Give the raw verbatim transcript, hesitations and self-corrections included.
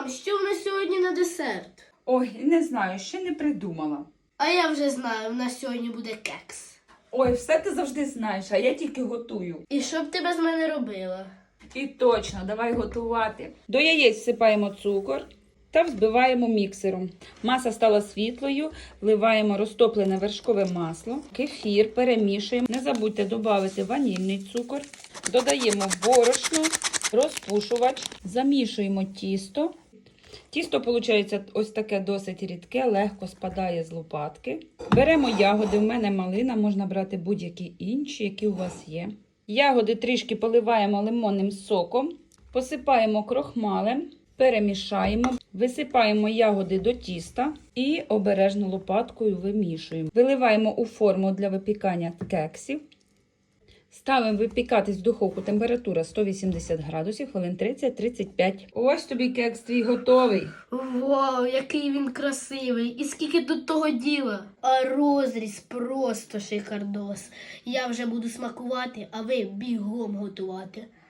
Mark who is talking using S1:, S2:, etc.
S1: Мам, що в нас сьогодні на десерт?
S2: Ой, не знаю, ще не придумала.
S1: А я вже знаю, в нас сьогодні буде кекс.
S2: Ой, все ти завжди знаєш, а я тільки готую.
S1: І що б ти без мене робила?
S2: І точно, давай готувати. До яєць всипаємо цукор та взбиваємо міксером. Маса стала світлою, вливаємо розтоплене вершкове масло, кефір, перемішуємо. Не забудьте додати ванільний цукор. Додаємо борошно, розпушувач, замішуємо тісто. Тісто виходить ось таке досить рідке, легко спадає з лопатки. Беремо ягоди, в мене малина, можна брати будь-які інші, які у вас є. Ягоди трішки поливаємо лимонним соком, посипаємо крохмалем, перемішаємо, висипаємо ягоди до тіста і обережно лопаткою вимішуємо. Виливаємо у форму для випікання кексів. Ставимо випікатись в духовку, температура сто вісімдесят градусів, хвилин тридцять-тридцять п'ять. Ось тобі кекс твій готовий.
S1: Вау, який він красивий! І скільки тут того діла! А розріз просто шикардос. Я вже буду смакувати, а ви бігом готувати.